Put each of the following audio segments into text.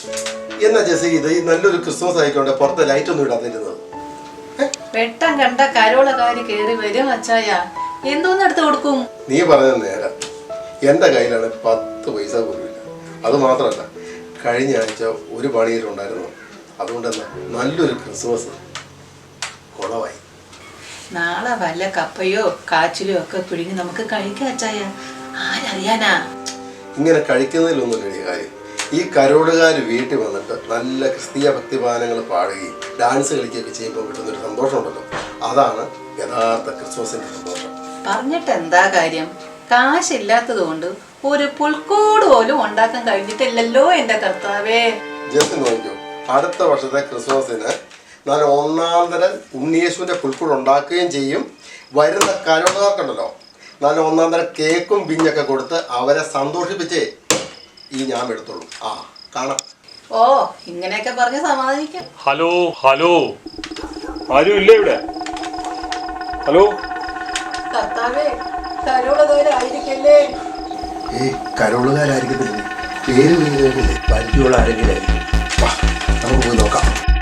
എന്നാ ജെസ്സി ഇത് ഈ നല്ലൊരു ക്രിസ്മസ് ആയിക്കൊണ്ട് പുറത്തെ ലൈറ്റ് ഒന്നും ഇടാതിരുന്നത്? വെട്ടം കണ്ട കരോളക്കാര് കേറി വരും അച്ചായ. എന്തോന്ന് എടുത്ത് കൊടുക്കും? നീ പറഞ്ഞത് നേരം. എൻ്റെ കയ്യിലാണ് 10 പൈസ പോലുമില്ല. അത് മാത്രമല്ല, കഴിഞ്ഞ ആഴ്ച ഒരു പണിയിലുണ്ടായിരുന്നു. അതുകൊണ്ട് തന്നെ നല്ലൊരു ക്രിസ്മസ് കുളവായി. നാളെ വല്ല കപ്പയോ കാച്ചിലോ ഒക്കെ പിഴിഞ്ഞ് നമുക്ക് കഴിക്കാം അച്ചായ. ആരറിയാനാ? ഇങ്ങനെ കഴിക്കുന്നതിലൊന്നുമില്ല കാര്യം. ഈ കരോടുകാർ വീട്ടിൽ വന്നിട്ട് നല്ല ക്രിസ്തീയ ഭക്തിഗാനങ്ങൾ പാടുകയും ഡാൻസ് കളിക്കുകയൊക്കെ ചെയ്യുമ്പോൾ കിട്ടുന്നൊരു സന്തോഷമുണ്ടല്ലോ, അതാണ് യഥാർത്ഥ ക്രിസ്മസിന്റെ സന്തോഷം. പറഞ്ഞിട്ട് എന്താ കാര്യം? കാശില്ലാത്തത് കൊണ്ട് ഒരു പുൽക്കൂട് പോലും ഉണ്ടാക്കാൻ കഴിഞ്ഞിട്ടില്ലല്ലോ എന്റെ കർത്താവേ. ജസ്റ്റ് നോക്കിയോ, അടുത്ത വർഷത്തെ ക്രിസ്മസിന് നല്ല ഒന്നാന്തരം ഉണ്ണിയേശുവിന്റെ പുൽക്കൂട് ഉണ്ടാക്കുകയും ചെയ്യും. വരുന്ന കരോടുകാർക്കുണ്ടല്ലോ നല്ല ഒന്നാന്തരം കേക്കും പിഞ്ഞൊക്കെ കൊടുത്ത് അവരെ സന്തോഷിപ്പിച്ചേ ഈ ഞാൻ എടുത്തോളൂ. ആ കാണാം. ഓ, ഇങ്ങനെയൊക്കെ പറഞ്ഞ് സമാധാനിക്കാം. ഹലോ ഹലോ, ആരും ഇല്ലേ ഇവിടെ? ഹലോ കർത്താവേ, കരോളുകാരായിരിക്കല്ലേ? കരോളുകാരായിരിക്കത്തില്ലേ, പേര് പേരില്ലേ, പരിചയമുള്ള ആരെങ്കിലും ആയിരിക്കും. നമുക്ക് പോയി നോക്കാം.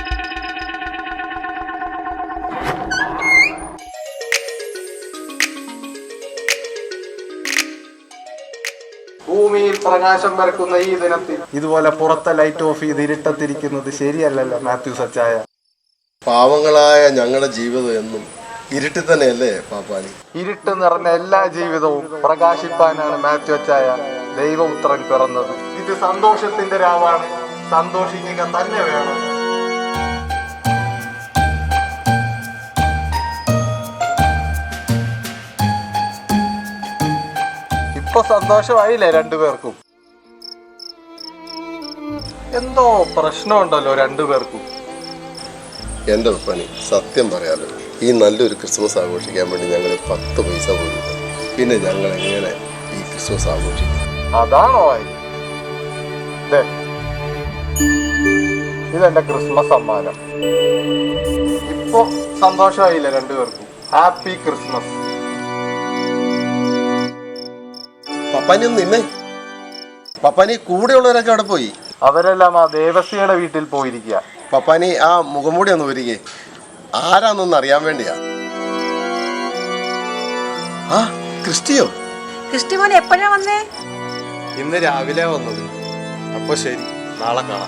ഭൂമിയിൽ പ്രകാശം പരക്കുന്ന ഈ ദിനത്തിൽ ഇതുപോലെ പുറത്തെ ലൈറ്റ് ഓഫ് ചെയ്ത് ഇരുട്ടത്തിരിക്കുന്നത് ശരിയല്ലല്ലോ മാത്യൂസ് അച്ചായ. പാവങ്ങളായ ഞങ്ങളുടെ ജീവിതം എന്നും ഇരുട്ടിൽ തന്നെയല്ലേ പാപ്പാനി? ഇരുട്ട് നിറഞ്ഞ എല്ലാ ജീവിതവും പ്രകാശിപ്പാനാണ് മാത്യു അച്ചായ ദൈവപുത്രൻ പിറന്നത്. ഇത് സന്തോഷത്തിന്റെ രാവാണ്, സന്തോഷിക്കുക തന്നെ വേണം. ഇപ്പൊ സന്തോഷമായില്ലേ രണ്ടുപേർക്കും? എന്തോ പ്രശ്നമുണ്ടല്ലോ രണ്ടുപേർക്കും. എൻ്റെ പപ്പനി സത്യം പറയാലോ, ഈ നല്ലൊരു ക്രിസ്മസ് ആഘോഷിക്കാൻ വേണ്ടി ഞങ്ങൾ 10 പൈസ പോലും. പിന്നെ ഞങ്ങൾ എങ്ങനെ ഈ ക്രിസ്മസ് ആഘോഷിക്കും? അതാണോ ഇതെന്റെ ക്രിസ്മസ് സമ്മാനം. ഇപ്പൊ സന്തോഷമായില്ലേ രണ്ടുപേർക്കും? Happy Christmas. പപ്പാനി ഒന്ന് നിന്നേ. പപ്പാനി കൂടെയുള്ളവരൊക്കെ അവിടെ പോയി. അവരെല്ലാം ആ ദേവസ്യയുടെ വീട്ടിൽ പോയിരിക്കുക. പപ്പാനി ആ മുഖംമൂടി ഒന്ന് ഒരുങ്ങി. ആരാന്നൊന്ന് അറിയാൻ വേണ്ടിയാ. ആ ക്രിസ്റ്റിയോ? ക്രിസ്റ്റി മോൻ എപ്പോഴാ വന്നേ? ഇന്ന് രാവിലെ വന്നത്. അപ്പൊ ശരി, നാളെ കാണാം.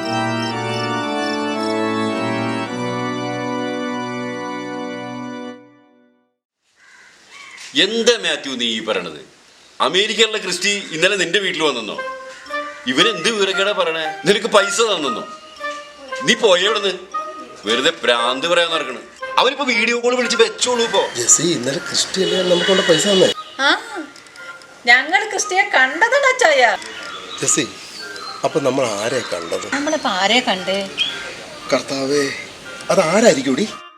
എന്താ മാത്യു നീ ഈ പറയണത്? അമേരിക്കയിലുള്ള ക്രിസ്റ്റി ഇന്നലെ നിന്റെ വീട്ടിൽ വന്നെന്നോ? ഇവനെന്ത് വിവരക്കേടാ പറയണേ? നിനക്ക് പൈസ തന്നെന്നോ? നീ പോയവിടുന്ന് വെറുതെ പ്രാന്ത് പറയാൻ നടക്കണ്. അവനിപ്പോ വീഡിയോ കോൾ വിളിച്ച് വെച്ചോളൂ. ഇപ്പോ ഇന്നലെ ക്രിസ്റ്റി അല്ലേ നമുക്കുള്ള പൈസ തന്നെ? ഞങ്ങൾ ക്രിസ്റ്റിയെ കണ്ടതാണ് അച്ചായ. ജെസ്സി, അപ്പൊ നമ്മൾ ആരെ കണ്ടത്? നമ്മളിപ്പോ ആരെ കണ്ടേ? കർത്താവേ, അത് ആരായിരിക്കും?